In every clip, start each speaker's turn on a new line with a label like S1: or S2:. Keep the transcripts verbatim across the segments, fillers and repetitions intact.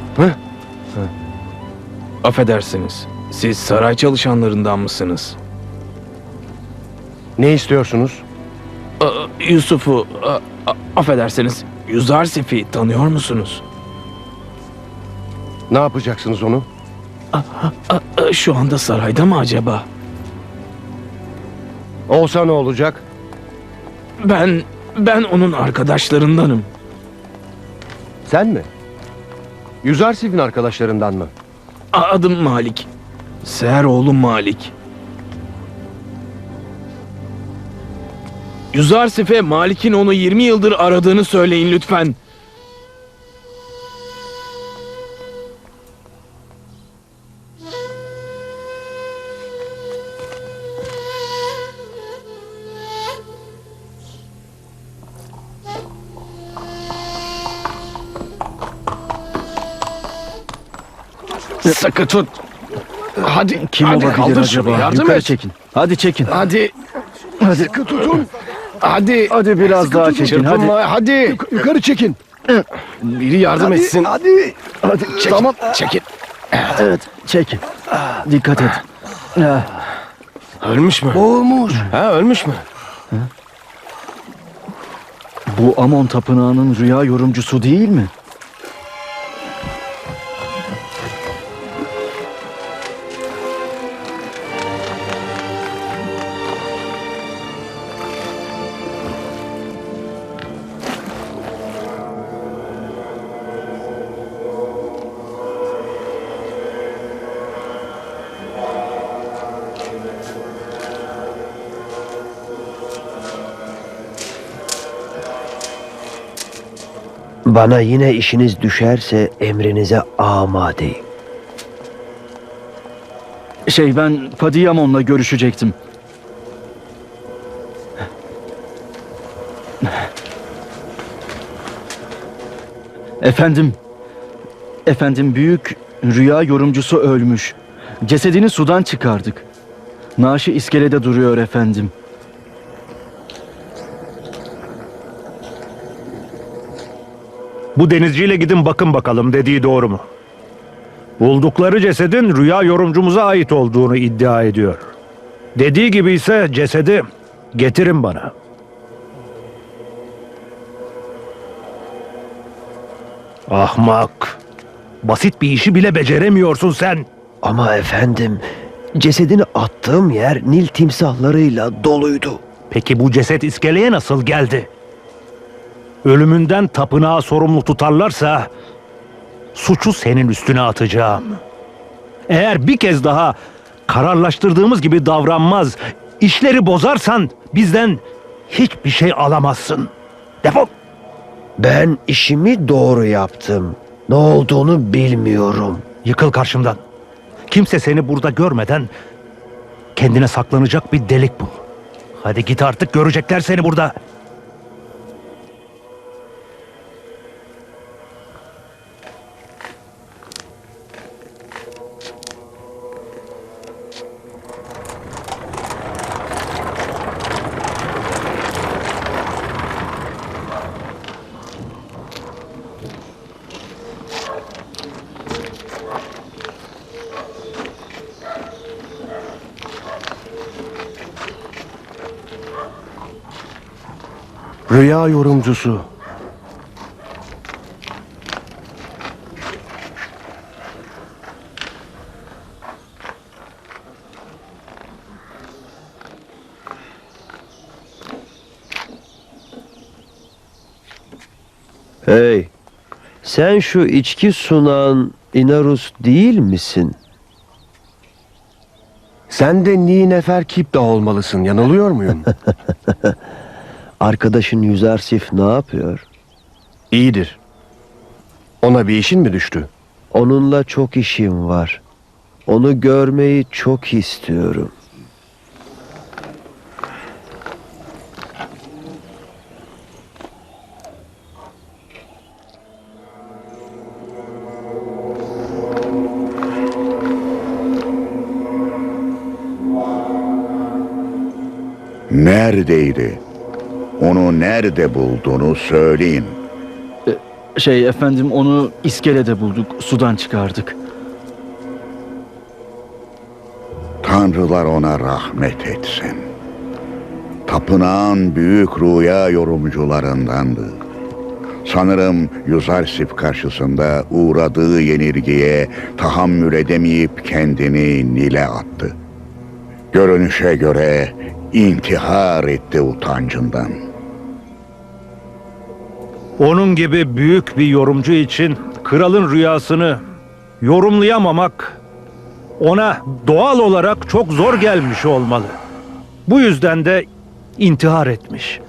S1: Hı?
S2: Affedersiniz. Siz saray çalışanlarından mısınız?
S1: Ne istiyorsunuz?
S2: Aa, Yusuf'u, aa, a- affedersiniz. Yuzarsif'i tanıyor musunuz?
S1: Ne yapacaksınız onu?
S2: Aa, Şu anda sarayda mı acaba?
S1: Olsa ne olacak?
S2: Ben, ben onun arkadaşlarındanım.
S1: Sen mi? Yüzarsif'in arkadaşlarından mı?
S2: A- Adım Malik. Seher oğlum Malik. Yuzarsif'e Malik'in onu yirmi yıldır aradığını söyleyin lütfen. Sıkı tut. Hadi,
S3: Kim
S2: hadi
S3: olabilir
S2: kaldır
S3: acaba?
S2: şunu, yardım
S3: Yukarı
S2: et.
S3: çekin. Hadi çekin.
S2: Hadi,
S3: Hadi.
S1: Sıkı tutun.
S2: hadi.
S3: Hadi biraz
S1: Sıkı
S3: daha
S1: tutun.
S3: çekin. Hadi.
S2: Çırpınma, hadi.
S1: Yukarı çekin.
S2: Biri yardım
S1: Hadi,
S2: etsin.
S1: hadi.
S2: Hadi, çekin,
S1: Tamam.
S2: çekin.
S3: Evet, çekin. Dikkat et. Ah,
S2: Ölmüş mü?
S1: Boğulmuş.
S2: Ha, ölmüş mü?
S3: Bu Amon Tapınağı'nın rüya yorumcusu değil mi?
S4: Bana yine işiniz düşerse emrinize amadeyim.
S3: Şey, ben Padiyamon'la görüşecektim. Efendim, efendim büyük rüya yorumcusu ölmüş. Cesedini sudan çıkardık. Naaşı iskelede duruyor efendim.
S5: Bu denizciyle gidin bakın bakalım dediği doğru mu? Buldukları cesedin rüya yorumcumuza ait olduğunu iddia ediyor. Dediği gibi ise cesedi getirin bana. Ahmak! Basit bir işi bile beceremiyorsun sen.
S4: Ama efendim, cesedini attığım yer Nil timsahlarıyla doluydu.
S5: Peki bu ceset iskeleye nasıl geldi? Ölümünden tapınağı sorumlu tutarlarsa suçu senin üstüne atacağım. Eğer bir kez daha kararlaştırdığımız gibi davranmaz, işleri bozarsan bizden hiçbir şey alamazsın. Defol!
S4: Ben işimi doğru yaptım. Ne olduğunu bilmiyorum.
S5: Yıkıl karşımdan. Kimse seni burada görmeden kendine saklanacak bir delik bul. Hadi git artık, görecekler seni burada.
S1: Rüya yorumcusu.
S4: Hey, sen şu içki sunan Inarus değil misin?
S1: Sen de Nineferkip'te olmalısın. Yanılıyor muyum?
S4: Arkadaşın Yüzarsif ne yapıyor?
S1: İyidir. Ona bir işin mi düştü?
S4: Onunla çok işim var. Onu görmeyi çok istiyorum.
S6: Neredeydi? Onu nerede bulduğunu söyleyin.
S3: Şey efendim, onu iskelede bulduk, sudan çıkardık.
S6: Tanrılar ona rahmet etsin. Tapınağın büyük rüya yorumcularındandı. Sanırım Yuzarsif karşısında uğradığı yenilgiye tahammül edemeyip kendini Nil'e attı. Görünüşe göre intihar etti utancından.
S5: Onun gibi büyük bir yorumcu için kralın rüyasını yorumlayamamak ona doğal olarak çok zor gelmiş olmalı. Bu yüzden de intihar etmiş.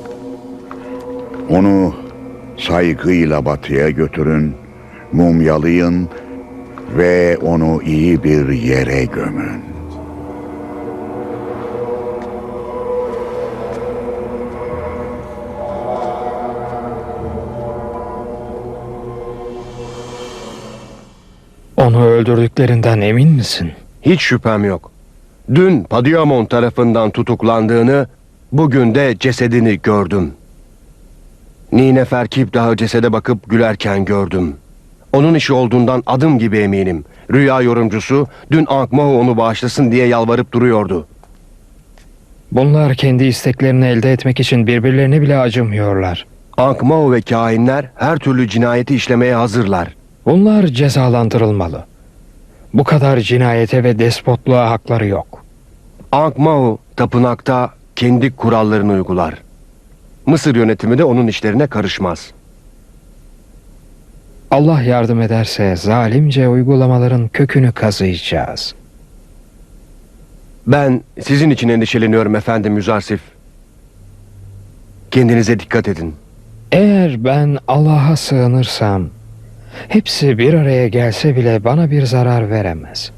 S6: Onu saygıyla batıya götürün, mumyalayın ve onu iyi bir yere gömün.
S2: Onu öldürdüklerinden emin misin?
S1: Hiç şüphem yok. Dün Padiamon tarafından tutuklandığını, bugün de cesedini gördüm. Nineferkip daha cesede bakıp gülerken gördüm. Onun işi olduğundan adım gibi eminim. Rüya yorumcusu dün Ankh-Morhu onu bağışlasın diye yalvarıp duruyordu.
S2: Bunlar kendi isteklerini elde etmek için birbirlerine bile acımıyorlar.
S1: Ankh-Morhu ve kahinler her türlü cinayeti işlemeye hazırlar.
S2: Bunlar cezalandırılmalı. Bu kadar cinayete ve despotluğa hakları yok.
S1: Ankh-Morhu tapınakta kendi kurallarını uygular. Mısır yönetimi de onun işlerine karışmaz.
S2: Allah yardım ederse zalimce uygulamaların kökünü kazıyacağız.
S1: Ben sizin için endişeleniyorum efendim Yüzarsif. Kendinize dikkat edin.
S2: Eğer ben Allah'a sığınırsam, hepsi bir araya gelse bile bana bir zarar veremez.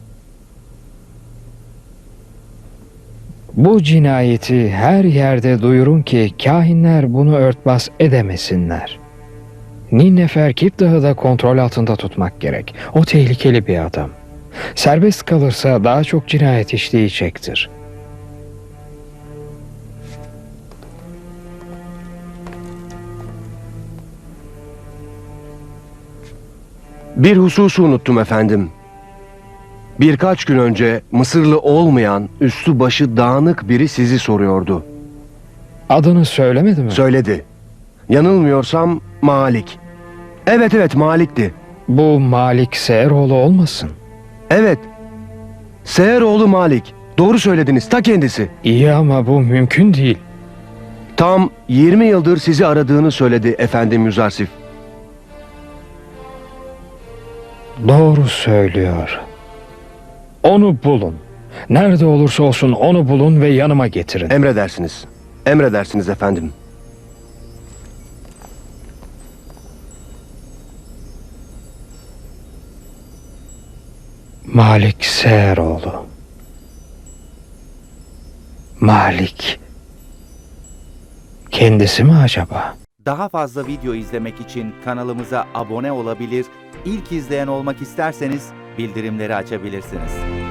S2: Bu cinayeti her yerde duyurun ki kahinler bunu örtbas edemesinler. Ninneferkip Dağı da kontrol altında tutmak gerek. O tehlikeli bir adam. Serbest kalırsa daha çok cinayet işleyecektir.
S1: Bir hususu unuttum efendim. Birkaç gün önce Mısırlı olmayan, üstü başı dağınık biri sizi soruyordu.
S2: Adını söylemedi mi?
S1: Söyledi. Yanılmıyorsam Malik. Evet evet Malik'ti.
S2: Bu Malik Seheroğlu olmasın?
S1: Evet. Seheroğlu Malik. Doğru söylediniz, ta kendisi.
S2: İyi ama bu mümkün değil.
S1: Tam yirmi yıldır sizi aradığını söyledi efendim Yüzarsif.
S2: Doğru söylüyor. Onu bulun. Nerede olursa olsun onu bulun ve yanıma getirin.
S1: Emredersiniz. Emredersiniz efendim.
S2: Malik Seheroğlu. Malik. Kendisi mi acaba?
S7: Daha fazla video izlemek için kanalımıza abone olabilir, ilk izleyen olmak isterseniz bildirimleri açabilirsiniz.